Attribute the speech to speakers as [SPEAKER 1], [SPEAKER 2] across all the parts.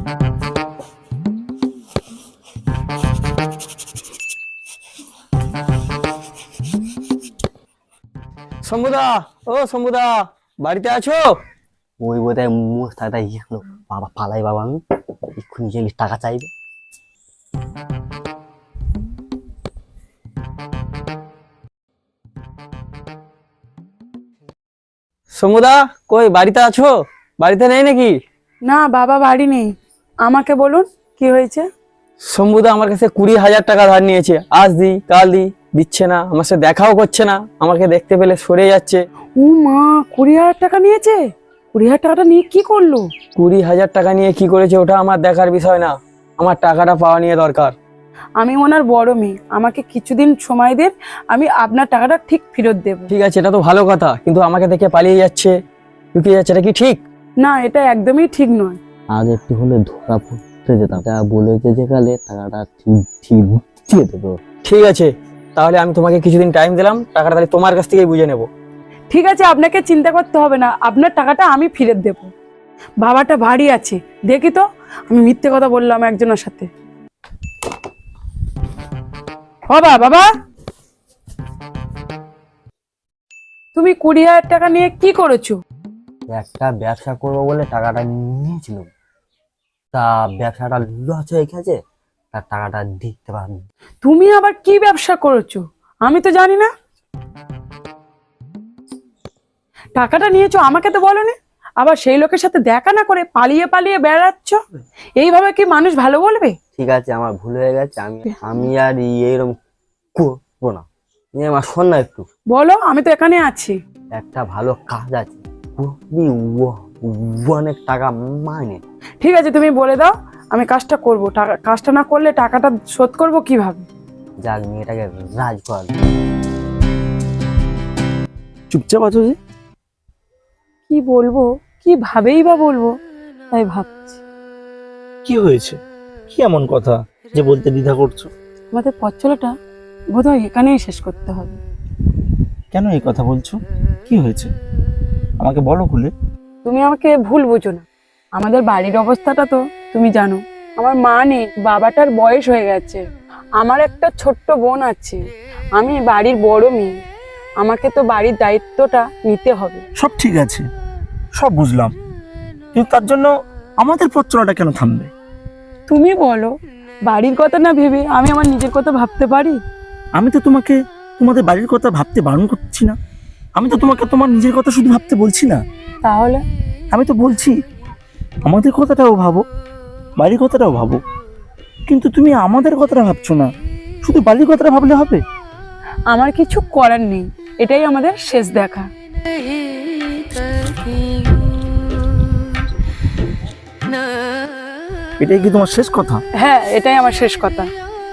[SPEAKER 1] শম্ভুদা, ও শম্ভুদা, বাড়িতে আছো?
[SPEAKER 2] ওই বোধহয় মোস্তাকটা গেলো। বাবা পালাই বাবা, আমি এক্ষুনি গেলে টাকা চাইবে।
[SPEAKER 1] শম্ভুদা, কই বাড়িতে আছো? বাড়িতে নেই নাকি?
[SPEAKER 3] না বাবা, বাড়ি নেই। আমাকে বলুন কি হয়েছে।
[SPEAKER 1] শম্ভুদা আমার কাছে 20,000 টাকা ধার নিয়েছে। আজ দি কাল দি, দিচ্ছে না, আমার সাথে দেখাও করছে না, আমাকে দেখতে পেলে সরে যাচ্ছে।
[SPEAKER 3] ও মা, 20,000 টাকা নিয়েছে? 20,000 টাকাটা নিয়ে কি করলো?
[SPEAKER 1] 20,000 টাকা নিয়ে কি করেছে ওটা আমার দেখার বিষয় না, আমার টাকাটা পাওয়া নিয়ে দরকার।
[SPEAKER 3] আমি ওনার বড় মেয়ে, আমাকে কিছুদিন সময় দিন, আমি আপনার টাকাটা ঠিক ফেরত দেব।
[SPEAKER 1] ঠিক আছে, এটা তো ভালো কথা, কিন্তু আমাকে দেখে পালিয়ে যাচ্ছে, লুকিয়ে যাচ্ছে, এটা কি ঠিক?
[SPEAKER 3] না, এটা একদমই ঠিক নয়।
[SPEAKER 2] আজ একটু হলে ধরা পড়তে যেতাম, যা বলেছে যে কালে টাকাটা ঠিক ঠিক দিয়ে দেবো।
[SPEAKER 1] ঠিক আছে, তাহলে আমি তোমাকে কিছুদিন টাইম দিলাম, টাকাটা তাহলে তোমার কাছ থেকেই বুঝে নেব।
[SPEAKER 3] ঠিক আছে, আপনাকে চিন্তা করতে হবে না, আপনার টাকাটা আমি ফেরত দেব। বাবাটা ভারী আছে, দেখি তো আমি মিথ্যে কথা বললাম একজনের সাথে। বাবা, বাবা, তুমি 20,000 টাকা নিয়ে কি করেছো?
[SPEAKER 2] একটা ব্যবসা করবো বলে টাকাটা নিয়েছিল, তা ব্যবসাটা লস হয়ে গেছে, তার টাকাটা দিতে পারিনি।
[SPEAKER 3] তুমি আবার কি ব্যবসা করেছো আমি তো জানি না। টাকাটা নিয়েছো আমাকে তো বলোনি, আবার সেই লোকের সাথে দেখা না করে পালিয়ে পালিয়ে বেড়াচ্ছ। এইভাবে কি মানুষ ভালো বলবে?
[SPEAKER 2] ঠিক আছে, আমার ভুল হয়ে গেছে, আমি আমি আর এইরকম করবো না। আমার শোন না একটু,
[SPEAKER 3] বলো, আমি তো এখানে আছি।
[SPEAKER 2] একটা ভালো কাজ আছে, খুবই অনেক টাকা মাইনে।
[SPEAKER 3] ঠিক আছে, তুমি বলে দাও, আমি কাজটা করবো। কাজটা না করলে টাকাটা শোধ করবো কিভাবে?
[SPEAKER 2] যাক, মেয়েটাকে রাজ কর।
[SPEAKER 1] চুপচাপ আছো যে?
[SPEAKER 3] কি বলবো, কিভাবেই বা বলবো, তাই ভাবছি।
[SPEAKER 4] কি হয়েছে? কি এমন কথা যে বলতে দ্বিধা করছো?
[SPEAKER 3] আমাদের পথ চলাটা বোধহয় এখানেই শেষ করতে হবে।
[SPEAKER 4] কেন এই কথা বলছো? কি হয়েছে আমাকে বলো খুলে।
[SPEAKER 3] তুমি আমাকে ভুল বুঝো না, আমাদের বাড়ির অবস্থাটা তো তুমি জানো। আমার মা নেই, বাবাটার বয়স হয়ে গেছে, আমার একটা ছোট্ট বোন আছে, আমি বাড়ির বড় মেয়ে, আমাকে তো বাড়ির দায়িত্বটা নিতে হবে।
[SPEAKER 4] সব ঠিক আছে, সব বুঝলাম, কিন্তু তার জন্য আমাদের পথ চলাটা কেন থামবে?
[SPEAKER 3] তুমি বলো, বাড়ির কথা না ভেবে আমি আমার নিজের কথা ভাবতে পারি?
[SPEAKER 4] আমি তো তোমাকে তোমাদের বাড়ির কথা ভাবতে বারণ করছি না, আমি তো তোমাকে তোমার নিজের কথা শুধু ভাবতে বলছি না।
[SPEAKER 3] তাহলে
[SPEAKER 4] আমি তো বলছি আমাদের কথাটাও ভাবো, বাড়ির কথাটাও ভাবো। কিন্তু তুমি আমাদের কথাটা ভাবছো না, শুধু বাড়ির কথাটা ভাবলে হবে?
[SPEAKER 3] আমার কিছু করার নেই, এটাই আমাদের শেষ দেখা।
[SPEAKER 4] এটাই কি তোমার শেষ কথা?
[SPEAKER 3] হ্যাঁ, এটাই আমার শেষ কথা।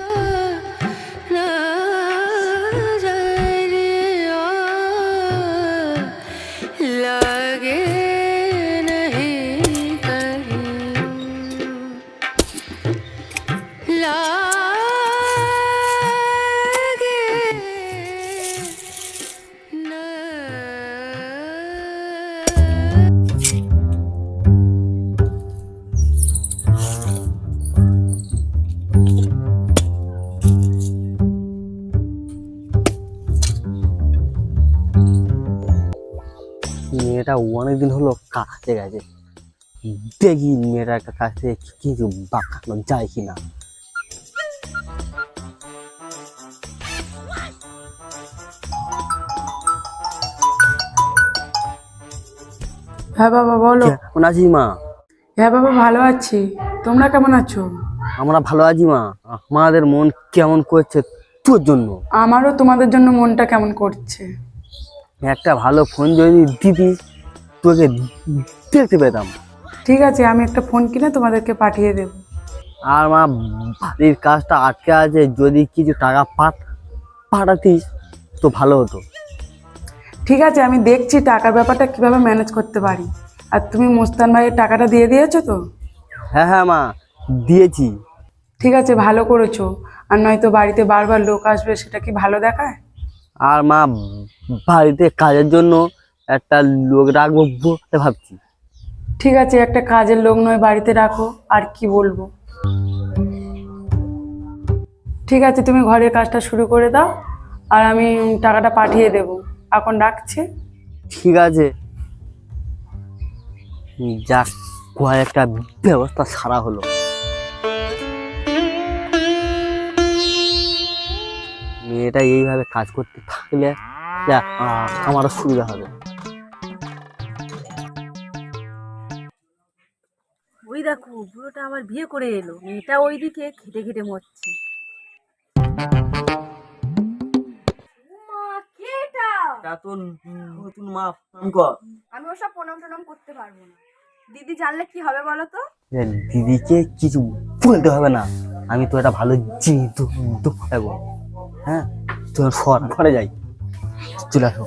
[SPEAKER 2] মেয়েটা অনেকদিন হলো কাছে গেছে, দেখি মেয়েটার কাছে কিছু বাঁকানো যায় কিনা।
[SPEAKER 3] হ্যাঁ বাবা, বলো।
[SPEAKER 2] কেমন আছিস মা?
[SPEAKER 3] হ্যাঁ বাবা, ভালো আছি, তোমরা কেমন আছো?
[SPEAKER 2] আমরা ভালো আছি মা, আমাদের মন কেমন করছে তোর জন্য।
[SPEAKER 3] আমারও তোমাদের জন্য মনটা কেমন করছে।
[SPEAKER 2] একটা ভালো ফোন যদি দিতিস, তোকে দেখতে পেতাম।
[SPEAKER 3] ঠিক আছে, আমি একটা ফোন কিনে তোমাদেরকে পাঠিয়ে দেব।
[SPEAKER 2] আর মা, বাড়ির কাজটা আটকে আছে, যদি কিছু টাকা পাঠাতিস তো ভালো হতো।
[SPEAKER 3] ঠিক আছে, আমি দেখছি টাকার ব্যাপারটা কিভাবে ম্যানেজ করতে পারি। আর তুমি মোস্তান ভাইয়ের টাকাটা দিয়ে দিয়েছো তো?
[SPEAKER 2] হ্যাঁ হ্যাঁ মা, দিয়েছি।
[SPEAKER 3] ঠিক আছে, ভালো করেছো। আর নয়তো বাড়িতে বারবার লোক আসবে, সেটা কি ভালো দেখায়?
[SPEAKER 2] আর মা, বাড়িতে কাজের জন্য একটা লোক রাখবো বলে ভাবছি।
[SPEAKER 3] ঠিক আছে, একটা কাজের লোক নয় বাড়িতে রাখো, আর কি বলবো। ঠিক আছে, তুমি ঘরের কাজটা শুরু করে দাও, আর আমি টাকাটা পাঠিয়ে দেব। এখন রাখছি।
[SPEAKER 2] ঠিক আছে, যাক একটা ব্যবস্থা সারা হলো। মেয়েটা এইভাবে কাজ করতে থাকলে আমারও সুবিধা হবে।
[SPEAKER 5] ওই দেখো বুড়োটা আবার বিয়ে করে এলো, মেয়েটা ওইদিকে খেটে খেটে মরছে।
[SPEAKER 6] আমি ওসব প্রণাম টনাম করতে পারবো না। দিদি জানলে কি হবে বলো তো?
[SPEAKER 2] দিদিকে কিছু বলতে হবে না, আমি তো একটা ভালো জিনিস দেবো। হ্যাঁ, তোর ঘরে যাই, চলে আসো।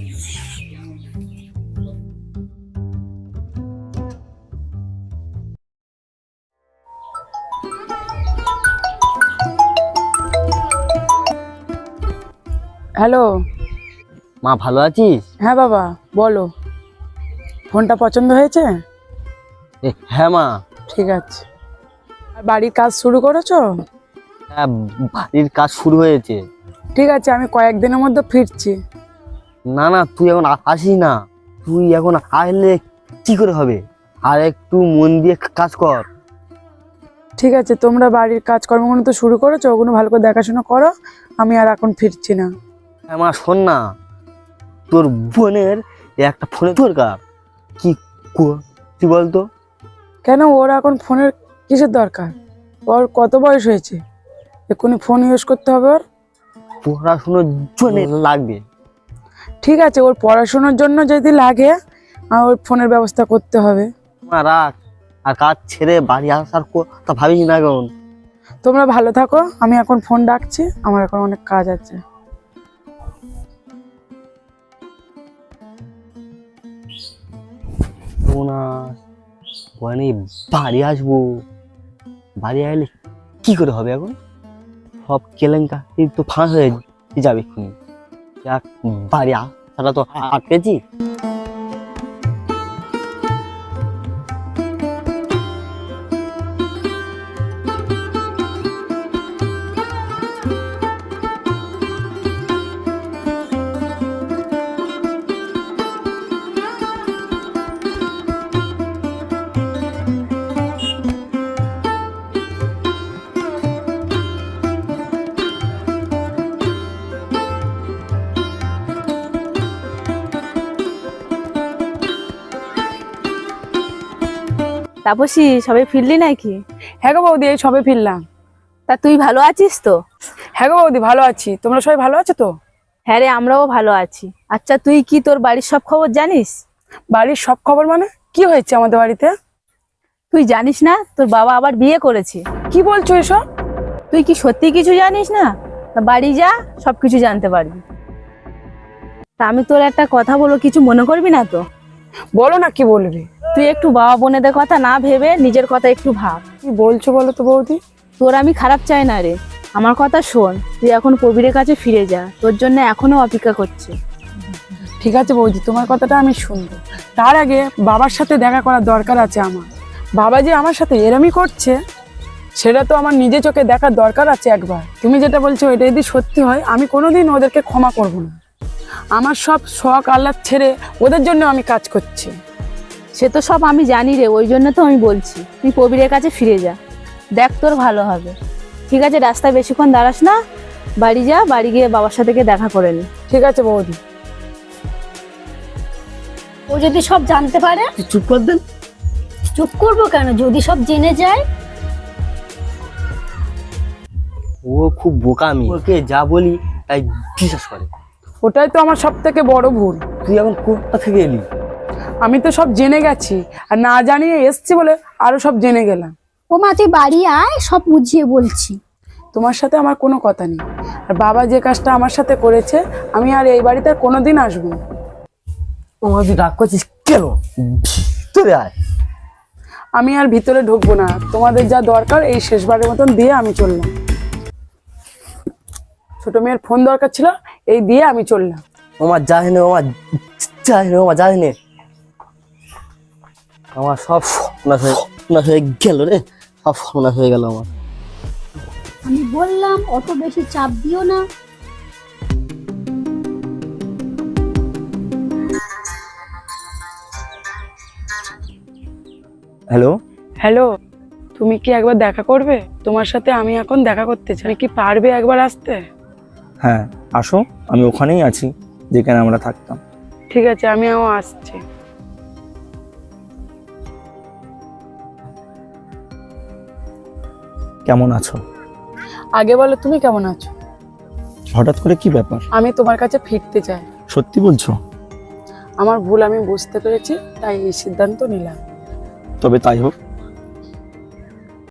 [SPEAKER 3] হ্যালো।
[SPEAKER 2] মা ভালো আছিস?
[SPEAKER 3] হ্যাঁ বাবা, বলো। ফোনটা পছন্দ হয়েছে?
[SPEAKER 2] হ্যাঁ মা।
[SPEAKER 3] ঠিক আছে। আর বাড়ির কাজ শুরু করেছো?
[SPEAKER 2] হ্যাঁ, বাড়ির কাজ শুরু হয়েছে।
[SPEAKER 3] ঠিক আছে, আমি কয়েকদিনের মধ্যে ফিরছি।
[SPEAKER 2] না না, তুই এখন আসিস না, তুই এখন আসলে কি করে হবে, আর একটু মন দিয়ে কাজ কর।
[SPEAKER 3] ঠিক আছে, তোমরা বাড়ির কাজকর্মগুলো তো শুরু করেছো, ওগুলো ভালো করে দেখাশোনা করো। আমি আর এখন ফিরছি না।
[SPEAKER 2] হ্যাঁ মা, শোন না, তোর বোনের একটা ফোনের দরকার। কি বলতো?
[SPEAKER 3] কেন, ওর এখন ফোনের কিসের দরকার? ওর কত বয়স হয়েছে? এক্ষুনি ফোন ইউজ করতে হবে ওর?
[SPEAKER 2] পড়াশোনার জন্য লাগবে।
[SPEAKER 3] ঠিক আছে, ওর পড়াশোনার জন্য যদি লাগে, ওর ফোনের ব্যবস্থা করতে হবে।
[SPEAKER 2] মা রাখ, আর কাজ ছেড়ে বাড়ি আসার কথা ভাবিস না এখন।
[SPEAKER 3] তোমরা ভালো থাকো, আমি এখন ফোন রাখছি, আমার এখন অনেক কাজ আছে।
[SPEAKER 2] বাড়ি আসবো, বাড়ি আসলে কি করে হবে এখন? সব কেলেঙ্কারি তো ফাঁস হয়ে যাবে এক্ষুনি। বাড়ি আসাটা তো আটকেছি।
[SPEAKER 5] তাপসী, সবাই ফিরলি নাকি?
[SPEAKER 3] হ্যাঁ গো বৌদি, এই সবে ফিরলাম।
[SPEAKER 5] তা তুই ভালো আছিস তো?
[SPEAKER 3] হ্যাঁ গো বৌদি, ভালো আছি। তোমরা সবাই ভালো আছো তো?
[SPEAKER 5] হ্যাঁ রে, আমরাও ভালো আছি। আচ্ছা, তুই কি তোর বাড়ির সব খবর জানিস?
[SPEAKER 3] বাড়ির সব খবর মানে? কি হয়েছে আমাদের বাড়িতে?
[SPEAKER 5] তুই জানিস না তোর বাবা আবার বিয়ে করেছে?
[SPEAKER 3] কি বলছো এসব?
[SPEAKER 5] তুই কি সত্যি কিছু জানিস না? তা বাড়ি যা, সবকিছু জানতে পারবি। তা আমি তোর একটা কথা বলবো, কিছু মনে করবি না তো?
[SPEAKER 3] বলো না, কি বলবে?
[SPEAKER 5] তুই একটু বাবা বোনেদের কথা না ভেবে নিজের কথা একটু ভাব।
[SPEAKER 3] কি বলছো বলো তো বৌদি?
[SPEAKER 5] তোর আমি খারাপ চাই না রে, আমার কথা শোন। তুই এখন কবিরের কাছে ফিরে যা, তোর জন্য এখনো অপেক্ষা করছে।
[SPEAKER 3] ঠিক আছে বৌদি, তোমার কথাটা আমি শুনবো। তার আগে বাবার সাথে দেখা করার দরকার আছে আমার। বাবা যে আমার সাথে এরমই করছে, সেটা তো আমার নিজে চোখে দেখার দরকার আছে একবার। তুমি যেটা বলছো এটা যদি সত্যি হয়, আমি কোনোদিন ওদেরকে ক্ষমা করব না। আমার সব শখ আহ্লাদ ছেড়ে ওদের জন্য আমি কাজ করছি।
[SPEAKER 5] সে তো সব আমি জানি রে, ওই জন্য তো আমি বলছি তুই কবিরের কাছে ফিরে যা, দেখ তোর ভালো হবে। ঠিক আছে, রাস্তায় বেশিক্ষণ দাঁড়াস না, বাড়ি যা, বাড়ি গিয়ে বাবার সাথে গিয়ে দেখা করে নি।
[SPEAKER 3] ঠিক আছে বৌদি।
[SPEAKER 7] ও যদি সব জানতে পারে?
[SPEAKER 2] চুপ কর দেন।
[SPEAKER 7] চুপ করবো কেন, যদি সব জেনে যায়?
[SPEAKER 2] ও খুব বোকামি, ওকে যা বলি তাই বিশ্বাস করে।
[SPEAKER 3] ওটাই তো আমার সব থেকে বড় ভুল।
[SPEAKER 2] তুই এখন কোথা থেকে এলি?
[SPEAKER 3] আমি তো সব জেনে গেছি, আর না জানিয়ে এসছি বলে আরো সব জেনে গেলাম।
[SPEAKER 7] ও মা, তুই বাড়ি আয়, সব বুঝিয়ে বলছি।
[SPEAKER 3] তোমার সাথে আমার কোনো কথা নেই। আর বাবা যে কাজটা আমার সাথে করেছে, আমি আর এই বাড়িতে আর কোনোদিন আসবো না।
[SPEAKER 2] তুই রাগ করছিস কেন? চলে আয়।
[SPEAKER 3] আমি আর ভিতরে ঢুকবো না, তোমাদের যা দরকার এই শেষবারের মতন দিয়ে আমি চললাম। ছোট মেয়ের ফোন দরকার ছিল, এই দিয়ে আমি চললাম।
[SPEAKER 2] ওমা যাস নে, ওমা যাস নে, ওমা যাস নে। আমার সব সর্বনাশ হয়ে গেল রে, সব সর্বনাশ হয়ে গেল আমার।
[SPEAKER 7] আমি বললাম অত বেশি চাপ দিও না।
[SPEAKER 4] হ্যালো,
[SPEAKER 3] হ্যালো, তুমি কি একবার দেখা করবে? তোমার সাথে আমি এখন দেখা করতে চাই। তুমি কি পারবে একবার আসতে?
[SPEAKER 4] হ্যাঁ আসো, আমি ওখানেই আছি যেখানে আমরা থাকতাম।
[SPEAKER 3] ঠিক আছে, আমিও আসছি।
[SPEAKER 4] কেমন আছো?
[SPEAKER 3] আগে বলো তুমি কেমন আছো?
[SPEAKER 4] হঠাৎ করে কি ব্যাপার?
[SPEAKER 3] আমি তোমার কাছে ফিরতে চাই।
[SPEAKER 4] সত্যি বলছো?
[SPEAKER 3] আমার ভুল আমি বুঝতে পেরেছি, তাই এই সিদ্ধান্ত নিলাম।
[SPEAKER 4] তবে তাই হোক,